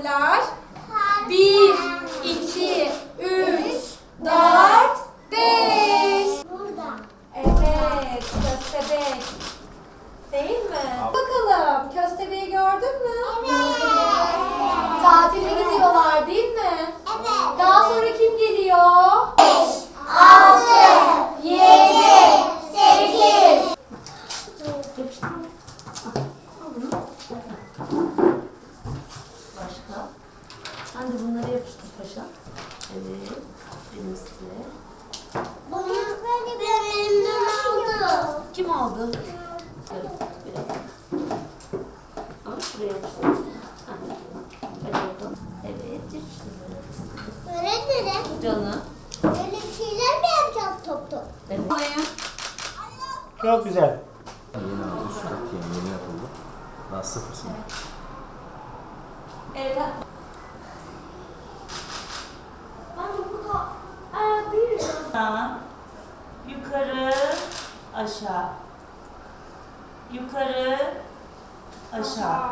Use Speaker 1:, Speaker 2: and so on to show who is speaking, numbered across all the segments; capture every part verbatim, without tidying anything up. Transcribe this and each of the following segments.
Speaker 1: harfler. Bir, iki, üç, dört, beş.
Speaker 2: Burada.
Speaker 1: Evet, köstebek. Değil mi? Bakalım, köstebeği gördün mü?
Speaker 2: Evet.
Speaker 1: Tatile gidiyorlar değil mi?
Speaker 2: Evet.
Speaker 1: Daha sonra kim geliyor?
Speaker 2: Altı.
Speaker 1: Yedi, sekiz.
Speaker 3: Başka? Sen de bunları yapıştır paşa. Evet. Benim size.
Speaker 2: Bunu böyle benim aldı.
Speaker 3: Kim aldı? Evet. Biraz. Ama şuraya yapıştır. Ha. Hadi bakalım. Evet. Yapıştır.
Speaker 2: Öğretmenim.
Speaker 3: Canım.
Speaker 2: Böyle bir şeyler mi yapacağız top top?
Speaker 3: Evet.
Speaker 4: Çok güzel.
Speaker 5: Yeni aldım. Üst kat yeni, yeni yapıldı. Daha sıfırsın.
Speaker 1: Evet.
Speaker 6: Tamam. Yukarı, aşağı. Yukarı, aşağı.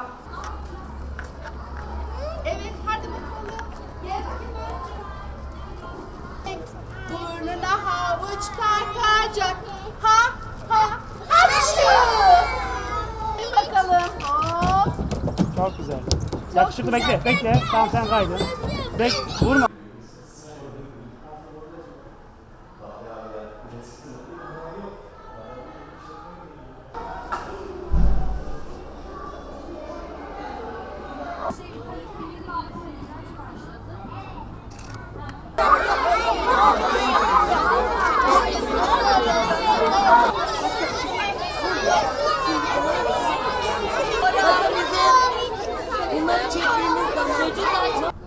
Speaker 1: Evet, hadi bakalım. Gel bakayım önce. Burnuna havuç kalkacak. Ha, ha, havuç. Bir bakalım. Hop.
Speaker 4: Çok güzel. Yakışıklı bekle. Bekle. Tamam sen kaydın. Bek vurma.
Speaker 3: Bunları çektiğimiz zaman çocuklar çok